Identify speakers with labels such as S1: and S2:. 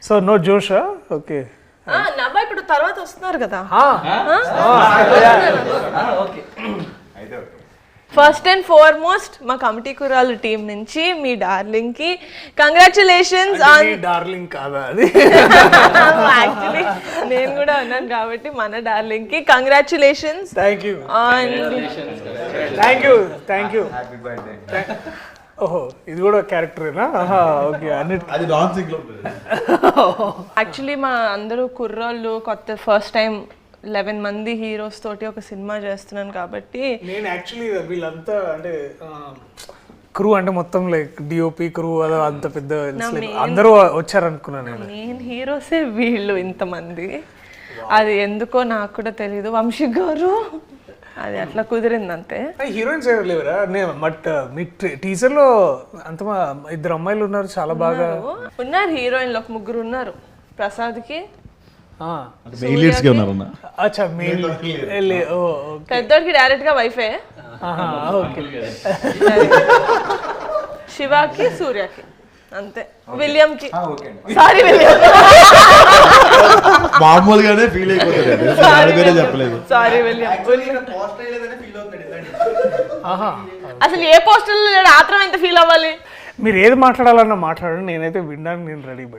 S1: So no జోషా? Okay.
S2: నవ్వ ఇప్పుడు తర్వాత వస్తున్నారు కదా. ఫస్ట్ అండ్ ఫార్మోస్ట్ మా కమిటీ కుర్రాలు టీం నుంచి మీ డార్లింగ్ కి కంగ్రాచులేషన్స్ ఆన్.
S1: డార్లింగ్ కాదా అది?
S2: యాక్చువల్లీ నేను కూడా ఉన్నాను కాబట్టి మన డార్లింగ్ కి congratulations.
S1: Thank you.
S3: Happy birthday.
S1: ఓహో, ఇది కూడా క్యారెక్టరేనా? ఓకే.
S3: అది డాన్సింగ్ లో.
S2: యాక్చువల్లీ మా అందరూ కుర్రోళ్ళు కొత్త ఫస్ట్ టైం 11 మంది హీరోస్ తోటి ఒక సినిమా చేస్తున్నాను కాబట్టి
S1: నేను యాక్చువల్లీ వీళ్ళంతా అంటే క్రూ అంటే మొత్తం లైక్ డిఓపి క్రూ అదో అంత పెద్ద అందరూ వచ్చారనుకున్నాను నేను.
S2: మెయిన్ హీరోసే వీళ్ళు ఇంతమంది. అది ఎందుకో నాకు కూడా తెలీదు. వంశీ గారు అది అట్లా కుదిరింది అంతే.
S1: హీరోయిన్స్ ఎవరు లేవరా? నేను బట్ మీ టీజర్ లో అంత ఇద్దరు అమ్మాయిలు ఉన్నారు, చాలా బాగా
S2: ఉన్నారు. హీరోయిన్లు ఒక ముగ్గురు ఉన్నారు. ప్రసాద్ కి
S3: మెయిన్ లీడ్స్ గా ఉన్నారన్న.
S1: అచ్చా, మెయిన్
S2: పెద్దోడికి డైరెక్ట్ గా వైఫే.
S1: ఓకే.
S2: శివాకి సూర్యకి అంతే. విలియం కి
S3: ఓకే.
S2: సారీ విలియం,
S3: మామూలుగానే ఫీల్ అయిపోతాడు, చెప్పలేదు.
S2: Sorry William. అసలు ఏ పోస్టర్ లేడు, ఆత్రం ఎంత ఫీల్ అవ్వాలి?
S1: మీరు ఏది మాట్లాడాలన్నా మాట్లాడండి, నేనైతే వినడానికి నేను రెడీ.